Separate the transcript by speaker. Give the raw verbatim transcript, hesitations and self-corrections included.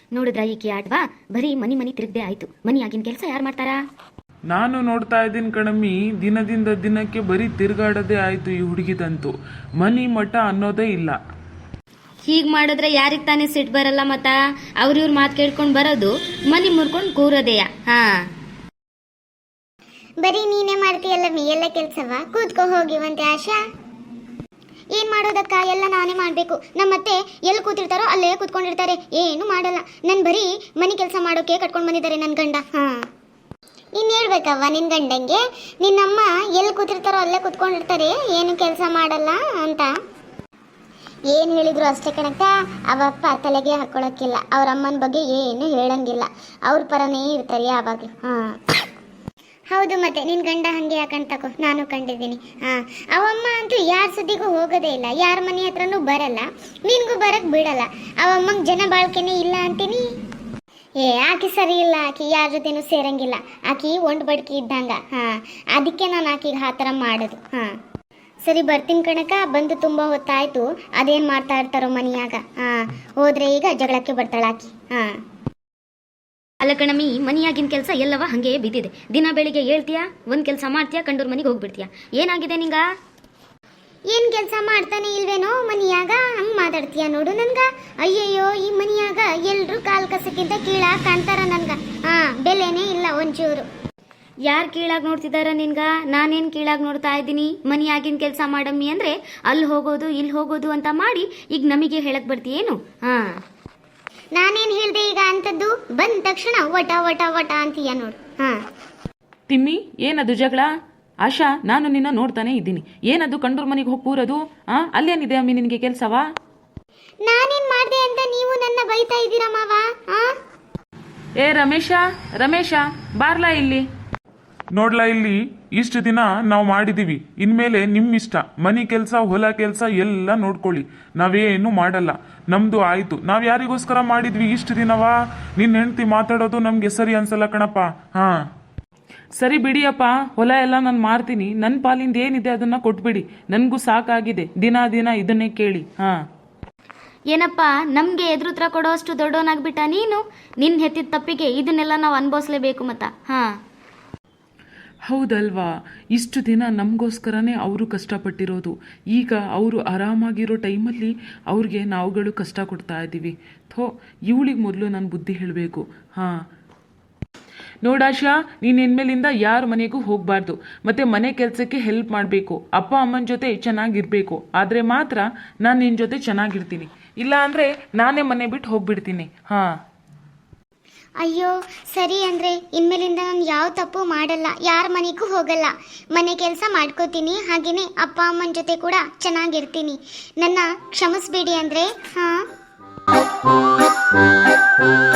Speaker 1: ನೋಡಿದ್ರ ಈಕಿ ಆಡ್ವಾ ಬರೀ ಮನಿ ಮನಿ ತಿರುಗದೆ ಆಯ್ತು. ಮನಿ ಆಗಿನ ಕೆಲಸ ಯಾರು ಮಾಡ್ತಾರಾ?
Speaker 2: ನಾನು ನೋಡ್ತಾ ಇದ್ದೀನಿ ಕಣಮ್ಮಿ, ದಿನದಿಂದ ದಿನಕ್ಕೆ ಬರೀ ತಿರುಗಾಡೋದೇ ಆಯ್ತು ಈ ಹುಡುಗಿದಂತೂ. ಮನಿ ಮಠ ಅನ್ನೋದೇ ಇಲ್ಲ.
Speaker 1: ಹೀಗ್ ಮಾಡಿದ್ರೆ ಯಾರಿಗ್ ತಾನೇ ಸಿಟ್ ಬರಲ್ಲ ಮತ್ತ? ಅವ್ರ ಇವ್ರ ಮಾತು ಕೇಳ್ಕೊಂಡ್ ಬರೋದು, ಮನಿ ಮುರ್ಕೊಂಡ್ ಕೂರೋದೇಯ. ಹಾ,
Speaker 3: ಬರೀ ನೀನೇ ಮಾಡ್ತೀಯಲ್ಲ ಮೀ ಎಲ್ಲ ಕೆಲ್ಸವ. ಕೂತ್ಕೋ ಹೋಗಿವಂತೆ ಆಶಾ. ಏನ್ ಮಾಡೋದಕ್ಕ, ಎಲ್ಲ ನಾನೇ ಮಾಡ್ಬೇಕು. ನಮ್ಮತ್ತೆ ಎಲ್ಲಿ ಕೂತಿರ್ತಾರೋ ಅಲ್ಲೇ ಕೂತ್ಕೊಂಡಿರ್ತಾರೆ, ಏನು ಮಾಡಲ್ಲ. ನನ್ ಬರೀ ಮನಿ ಕೆಲಸ ಮಾಡೋಕೆ ಕಟ್ಕೊಂಡ್ ಬಂದಿದ್ದಾರೆ ನನ್ ಗಂಡ. ಹಾ, ನೀನ್ ಹೇಳ್ಬೇಕವ್ವ ನಿನ್ ಗಂಡಂಗೆ, ನಿನ್ನಮ್ಮ ಎಲ್ಲಿ ಕೂತಿರ್ತಾರೋ ಅಲ್ಲೇ ಕೂತ್ಕೊಂಡಿರ್ತಾರೆ, ಏನು ಕೆಲಸ ಮಾಡಲ್ಲ ಅಂತ. ಏನ್ ಹೇಳಿದ್ರು ಅಷ್ಟೇ ಕಣಕ್ಕ, ಅವಪ್ಪ ತಲೆಗೆ ಹಾಕೊಳಕ್ಕಿಲ್ಲ. ಅವ್ರ ಅಮ್ಮನ ಬಗ್ಗೆ ಏನು ಹೇಳಂಗಿಲ್ಲ, ಅವ್ರ ಪರನೇ ಇರ್ತಾರೆ ಯಾವಾಗ್ಲೂ. ಹಾ ಹೌದು, ಮತ್ತೆ ನಿನ್ ಗಂಡ ಹಂಗೆ ಯಾಕಂತ ತಕೋ, ನಾನು ಕಂಡಿದ್ದೀನಿ. ಹಾ, ಅವಮ್ಮ ಅಂತೂ ಯಾರ ಸುದ್ದಿಗೂ ಹೋಗೋದೇ ಇಲ್ಲ, ಯಾರ ಮನೆ ಹತ್ರನೂ ಬರಲ್ಲ, ನಿನ್ಗೂ ಬರಕ್ ಬಿಡಲ್ಲ. ಅವಮ್ಮಂಗ್ ಜನ ಬಾಳ್ಕೆನೇ ಇಲ್ಲ ಅಂತೀನಿ. ಏ ಆಕಿ ಸರಿ ಇಲ್ಲ, ಆಕಿ ಯಾರ ಜೊತೆನೂ ಸೇರಂಗಿಲ್ಲ, ಆಕಿ ಒಂಡ್ ಬಡ್ಕಿ ಇದ್ದಂಗ. ಹಾ, ಅದಕ್ಕೆ ನಾನು ಆಕಿಗೆ ಆ ಥರ ಮಾಡೋದು. ಹಾ ಸರಿ, ಬರ್ತೀನಿ ಕಣಕ. ಬಂದು ತುಂಬಾ ಹೊತ್ತಾಯ್ತು. ಅದೇನ್ ಮಾಡ್ತಾ ಇರ್ತಾರೋ ಮನಿಯಾಗ. ಹಾ, ಹೋದ್ರೆ ಈಗ ಜಗಳಕ್ಕೆ ಬರ್ತಾಳ ಆಕಿ. ಹಾ,
Speaker 1: ಅಲ್ಲ ಕಣಮಿ, ಮನಿಯಾಗಿನ ಕೆಲಸ ಎಲ್ಲವ ಹಂಗೆ ಬಿದ್ದಿದೆ. ದಿನ ಬೆಳಿಗ್ಗೆ ಹೇಳ್ತೀಯಾ, ಒಂದ್ ಕೆಲಸ ಮಾಡ್ತೀಯಾ, ಕಂಡೂರ್ ಮನಿಗೆ ಹೋಗ್ಬಿಡ್ತೀಯಾ. ಏನಾಗಿದೆ ನಿಂಗ?
Speaker 3: ಏನ್ ಕೆಲಸ ಮಾಡ್ತಾನೆ ಇಲ್ವೇನೋ ಮನಿಯಾಗ, ಹಂಗ್ ಮಾತಾಡ್ತೀಯ ನೋಡು ನನ್ಗ. ಅಯ್ಯಯ್ಯೋ, ಈ ಮನಿಯಾಗ ಎಲ್ರು ಕಾಲ್ ಕಸಕ್ಕಿಂತ ಕೀಳಾಗ ಕಾಣ್ತಾರ ನನ್ಗ. ಹಾ, ಬೆಲೆನೇ ಇಲ್ಲ ಒಂಚೂರು.
Speaker 1: ಯಾರು ಕೀಳಾಗಿ ನೋಡ್ತಿದಾರ ನಿನ್ಗ? ನಾನೇನ್ ಕೀಳಾಗಿ ನೋಡ್ತಾ ಇದ್ದೀನಿ? ಮನಿಯಾಗಿನ ಕೆಲಸ ಮಾಡಮ್ಮಿ ಅಂದ್ರೆ ಅಲ್ಲಿ ಹೋಗೋದು ಇಲ್ಲಿ ಹೋಗೋದು ಅಂತ ಮಾಡಿ ಈಗ ನಮಗೆ ಹೇಳಕ್ ಬರ್ತೀಯೇನು? ಹಾ,
Speaker 3: ನಾನೇನ್ ಹೇಳ್ದೆ ಈಗ ಅಂತದ್ದು? ಬಂದ ತಕ್ಷಣ ವಟ ವಟ ವಟ ಅಂತೀಯ ನೋಡು. ಹಾ,
Speaker 4: ತಿಮ್ಮಿ, ಏನದು ಜಗಳ? ಆಶಾ, ನಾನು ನಿನ್ನ ನೋಡ್ತಾನೆ ಇದ್ದೀನಿ. ಏನದು ಕಂಡೂರ್ ಮನೆಗೆ ಹೋಗಿ ಕೂರೋದು? ಆ ಅಲ್ಲೇನಿದೆ ಅಮ್ಮಿ ನಿನಗೆ ಕೆಲಸವಾ?
Speaker 3: ನಾನೇನ್ ಮಾಡ್ದೆ ಅಂತ ನೀವು ನನ್ನ ಬೈತಾ ಇದ್ದೀರಾ ಮಾವ? ಆ
Speaker 4: ಏ ರಮೇಶ, ರಮೇಶ ಬಾರ್ಲಾ ಇಲ್ಲಿ.
Speaker 2: ನೋಡ್ಲಾ ಇಲ್ಲಿ, ಇಷ್ಟು ದಿನ ನಾವು ಮಾಡಿದೀವಿ, ಇನ್ಮೇಲೆ ನಿಮ್ಮ ಇಷ್ಟ. ಮನಿ ಕೆಲಸ ಹೊಲ ಕೆಲಸ ಎಲ್ಲ ನೋಡ್ಕೊಳ್ಳಿ, ನಾವೇನು ಮಾಡಲ್ಲ. ನಮ್ದು ಆಯ್ತು. ನಾವ್ ಯಾರಿಗೋಸ್ಕರ ಮಾಡಿದ್ವಿ ಇಷ್ಟು ದಿನವಾ? ನಿನ್ನ ಹೆಂಡತಿ ಮಾತಾಡೋದು ನಮ್ಗೆ ಸರಿ ಅನ್ಸಲ್ಲ ಕಣಪ್ಪ. ಹಾ
Speaker 4: ಸರಿ ಬಿಡಿಯಪ್ಪ, ಹೊಲ ಎಲ್ಲ ನಾನು ಮಾರ್ತೀನಿ. ನನ್ನ ಪಾಲಿಂದ ಏನಿದೆ ಅದನ್ನ ಕೊಟ್ಬಿಡಿ. ನನಗೂ ಸಾಕಾಗಿದೆ ದಿನ ದಿನ ಇದನ್ನೇ ಕೇಳಿ. ಹಾ,
Speaker 1: ಏನಪ್ಪ ನಮ್ಗೆ ಎದುರುತ್ರ ಕೊಡೋ ಅಷ್ಟು ದೊಡ್ಡವನಾಗ್ಬಿಟ್ಟ ನೀನು? ನಿನ್ ಹೆತ್ತಿದ ತಪ್ಪಿಗೆ ಇದನ್ನೆಲ್ಲ ನಾವು ಅನ್ಭವಿಸ್ಲೇಬೇಕು ಮತ್ತ. ಹಾ,
Speaker 4: ಹೌದಲ್ವಾ? ಇಷ್ಟು ದಿನ ನಮಗೋಸ್ಕರನೇ ಅವರು ಕಷ್ಟಪಟ್ಟಿರೋದು. ಈಗ ಅವರು ಆರಾಮಾಗಿರೋ ಟೈಮಲ್ಲಿ ಅವ್ರಿಗೆ ನಾವುಗಳು ಕಷ್ಟ ಕೊಡ್ತಾ ಇದ್ದೀವಿ. ಥೋ, ಇವಳಿಗೆ ಮೊದಲು ನಾನು ಬುದ್ಧಿ ಹೇಳಬೇಕು. ಹಾಂ, ನೋಡಾಶಾ, ನೀನು ಇನ್ಮೇಲಿಂದ ಯಾರ ಮನೆಗೂ ಹೋಗಬಾರ್ದು. ಮತ್ತು ಮನೆ ಕೆಲಸಕ್ಕೆ ಹೆಲ್ಪ್ ಮಾಡಬೇಕು. ಅಪ್ಪ ಅಮ್ಮನ ಜೊತೆ ಚೆನ್ನಾಗಿರಬೇಕು. ಆದರೆ ಮಾತ್ರ ನಾನು ನಿನ್ನ ಜೊತೆ ಚೆನ್ನಾಗಿರ್ತೀನಿ. ಇಲ್ಲ ಅಂದರೆ ನಾನೇ ಮನೆ ಬಿಟ್ಟು ಹೋಗ್ಬಿಡ್ತೀನಿ. ಹಾಂ,
Speaker 3: ಅಯ್ಯೋ ಸರಿ, ಅಂದ್ರೆ ಇನ್ಮೇಲಿಂದ ನಾನು ಯಾವ ತಪ್ಪು ಮಾಡಲ್ಲ, ಯಾರ ಮನೆಗೂ ಹೋಗಲ್ಲ, ಮನೆ ಕೆಲಸ ಮಾಡ್ಕೋತೀನಿ. ಹಾಗೇನೆ ಅಪ್ಪ ಅಮ್ಮನ ಜೊತೆ ಕೂಡ ಚೆನ್ನಾಗಿರ್ತೀನಿ. ನನ್ನ ಕ್ಷಮಿಸ್ಬೇಡಿ ಅಂದ್ರೆ. ಹಾ